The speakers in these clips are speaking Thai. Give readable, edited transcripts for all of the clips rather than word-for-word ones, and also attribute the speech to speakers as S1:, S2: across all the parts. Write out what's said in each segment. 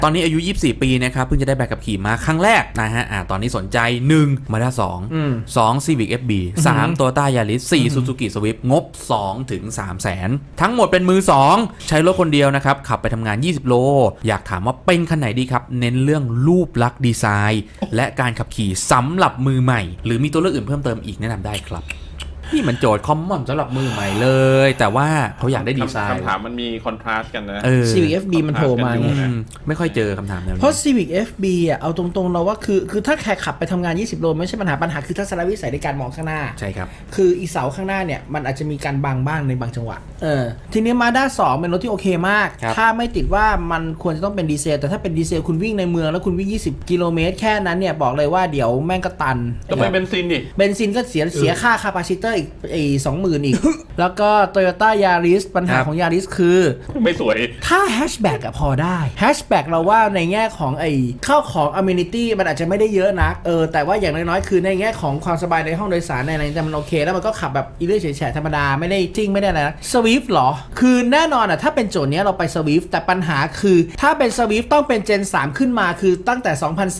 S1: ตอนนี้อายุ24ปีนะครับเพิ่งจะได้ใบขับขี่มาครั้งแรกนะฮะตอนนี้สนใจ1 Mazda 2 2 Civic FB 3 Toyota Yaris 4 Suzuki Swift งบ2ถึง3แสนทั้งหมดเป็นมือ2ใช้รถคนเดียวนะครับขับไปทำงาน20โลอยากถามว่าเป็นคันไหนดีครับเน้นเรื่องรูปลักษณ์ดีไซน์และการขับขี่สำหรับมือใหม่หรือมีตัวเลือกอื่นเพิ่มเติมอีกแนะนำได้ครับนี่มันโจทย์คอมมอนสำหรับมือใหม่เลยแต่ว่าเขาอยากได้ดีไซน์
S2: คำถามมันมีคอนทราสต์กันนะ
S3: Civic FB มันโผล่มาไง
S1: ไม่ค่อยเจอคำถามแนวนี้
S3: เพราะ Civic FB อ่ะเอาตรงๆเราว่าคือถ้าแค่ขับไปทำงาน20โลไม่ใช่ปัญหาคือทัศนวิสัยในการมองข้างหน้า
S1: ใช่ครับ
S3: คืออีเสาข้างหน้าเนี่ยมันอาจจะมีการบังบ้างในบางจังหวะทีนี้ Mazda 2เป็นรถที่โอเคมากถ้าไม่ติดว่ามันควรจะต้องเป็นดีเซลแต่ถ้าเป็นดีเซลคุณวิ่งในเมืองแล้วคุณวิ่ง20กิโลเมตรแค่นั้นเนี่ยบอกเลยว่าเดี๋ยวแม่งก็ตัน
S2: ต้องเป็นเบนซินดิ
S3: เบนซินก็เสียค่าคาปาซิเตอร์อีก20,000อีก แล้วก็ Toyota Yaris ปัญหาของ Yaris คือ
S2: ไม่สวย
S3: ถ้าแฮชแบ็กอะพอได้แฮชแบ็กเราว่าในแง่ของเข้าของ amenity มันอาจจะไม่ได้เยอะนักแต่ว่าอย่างน้อยๆคือในแง่ของความสบายในห้องโดยสารในอะไรแต่มันโอเคแล้วมันก็ขับแบบอีเลื่อยเฉยๆธรรมดาไม่ได้จิ้งไม่ได้อะไรนะ Swift หรอคือแน่นอนอะถ้าเป็นโจทย์เนี้ยเราไป Swift แต่ปัญหาคือถ้าเป็น Swift ต้องเป็น Gen 3 ขึ้นมาคือตั้งแต่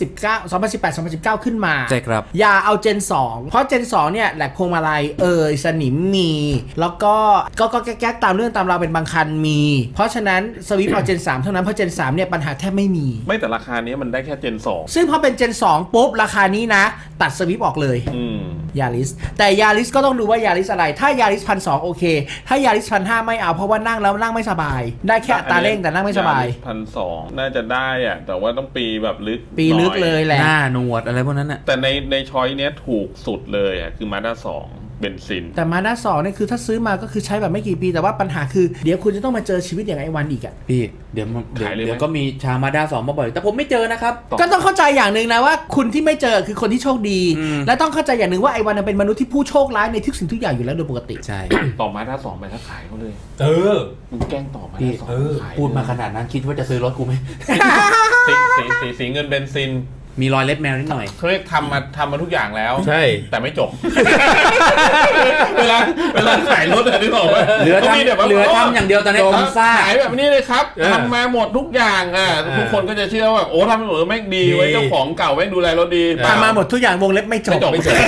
S3: 2018 2019 ขึ้นมา
S1: ใช่ครับ
S3: อย่าเอา Gen 2เพราะ Gen 2เนี่ยแหลกพวงมาลัยสนิมมีแล้วก็แก๊กตามเรื่องตามราวเป็นบางคันมีเพราะฉะนั้นสวิฟต์เอา Gen 3 เท่านั้นเพราะ Gen 3เนี่ยปัญหาแทบไม่มี
S2: ไม่แต่ราคานี้มันได้แค่ Gen 2
S3: ซึ่งพอเป็น Gen 2ปุ๊บราคานี้นะตัดสวิฟต์ออกเลยYaris แต่ Yaris ก็ต้องดูว่า Yaris อะไรถ้า Yaris 1,200โอเคถ้า Yaris 1,500ไม่เอาเพราะว่านั่งแล้วนั่งไม่สบายได้แค่อัตราเร่งแต่นั่งไม่สบาย
S2: 1,200น่าจะได้อะแต่ว่าต้องปีแบบลึก
S3: เลยแหละ
S1: หน้าหนวดอะไรพวกนั้นน่ะ
S2: แต่ในช้อยเนี้ยถูกสุดเลยอ่ะคือ Mazda 2เบนซิน
S3: แต่Mazda 2เนี่ยคือถ้าซื้อมาก็คือใช้แบบไม่กี่ปีแต่ว่าปัญหาคือเดี๋ยวคุณจะต้องมาเจอชีวิตอย่างไอ้วันอีกอ่ะ
S1: พี่เดี๋ยวก็มีชาวMazda 2มาบ่อยแต่ผมไม่เจอนะครับ
S3: ก็ต้องเข้าใจอย่างหนึ่งนะว่าคุณที่ไม่เจอคือคนที่โชคดีและต้องเข้าใจอย่างหนึ่งว่าไอ้วันเป็นมนุษย์ที่ผู้โชคร้ายในทุกสิ่งทุกอย่างอยู่แล้วโดยปกติ
S1: ใช่
S2: ต่อMazda 2ไปถ้าขายเขาเลยมึงแกล้งต่อMazda 2
S1: พูดมาขนาดนั้นคิดว่าจะซื้อรถกูไหม
S2: สีเงินเบนซิน
S1: มีรอยเล็บแมวนิดหน่อย
S2: เขาเรียกทำมาทุกอย่างแล้ว
S1: ใช่
S2: แต่ไม่จบเวลาขายรถที่บอกว่า
S1: เหลือทำอย่างเดียวตอนนี้ผมซ่า
S2: ขายแบบนี้เลยครับทำมาหมดทุกอย่างทุกคนก็จะเชื่อว่าโอ้ทำมาหมดแม่งดีไว้เจ้าของเก่าแม่งดูแลรถดี
S3: ทำมาหมดทุกอย่างวงเล็บไม่จบ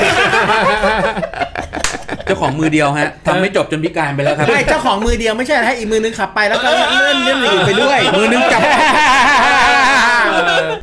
S1: เจ้าของมือเดียวฮะทำไม่จบจนพิการไปแล้วครับ
S3: ไม่เจ้าของมือเดียวไม่ใช่ให้อีกมือนึงขับไปแล้วก็เลื่อนไปด้วย
S1: มือนึงจับ